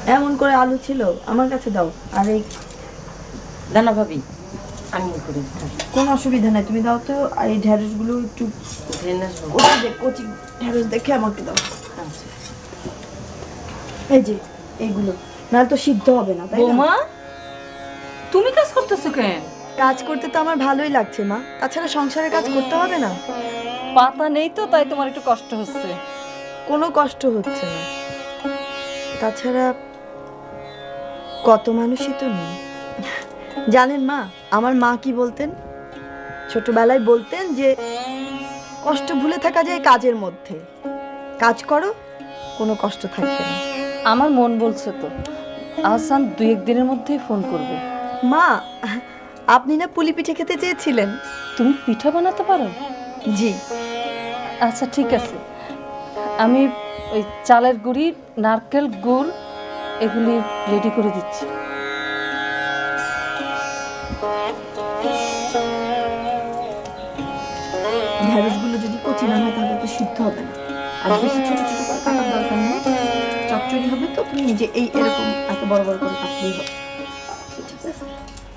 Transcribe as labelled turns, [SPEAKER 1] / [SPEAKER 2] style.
[SPEAKER 1] এমন করে আলু ছিল আমার কাছে দাও। আর এই
[SPEAKER 2] দানা ভাবি আমি করে
[SPEAKER 1] কোনো অসুবিধা নাই, তুমি দাও তো। আর এই ঢেঁড়সগুলো একটু কচি ঢেঁড়স দেখে আমাকে দাও।
[SPEAKER 2] আচ্ছা
[SPEAKER 1] এই যে এইগুলো, নাহলে তো সিদ্ধ হবে না, তাই না?
[SPEAKER 3] বৌমা তুমি কাজ করতেছো কেন?
[SPEAKER 1] কাজ করতে তো আমার ভালোই লাগছে মা, তাছাড়া সংসারের কাজ করতে হবে না।
[SPEAKER 3] পাতা নেই তো তাই তোমার একটু কষ্ট হচ্ছে।
[SPEAKER 1] কোনো কষ্ট হচ্ছে না, তাছাড়া কত মানুষই তো নেই। জানেন মা, আমার মা কি বলতেন, ছোটবেলায় বলতেন যে কষ্ট ভুলে থাকা যায় কাজের মধ্যে, কাজ করো কোনো কষ্ট থাকবে না।
[SPEAKER 3] আমার মন বলছে তো আহসান 2-1 দিনের মধ্যেই ফোন করবে।
[SPEAKER 1] মা, আপনি না পুলি পিঠে খেতে চেয়েছিলেন?
[SPEAKER 3] তুমি পিঠা বানাতে পারো?
[SPEAKER 1] জি।
[SPEAKER 3] আচ্ছা ঠিক আছে, আমি ওই চালের গুঁড়ি, নারকেল গুড় এগুলি রেডি করে দিচ্ছি।
[SPEAKER 1] ঢেঁড়সগুলো যদি কচি না হয় তাহলে তো সিদ্ধ হবে না, আর বেশি ছোট ছোট করে কাটার দরকার নেই, চচ্চড়ি হবে তো তুমি নিজে এই এরকম এত বড় বড় করে কাটলেই হবে।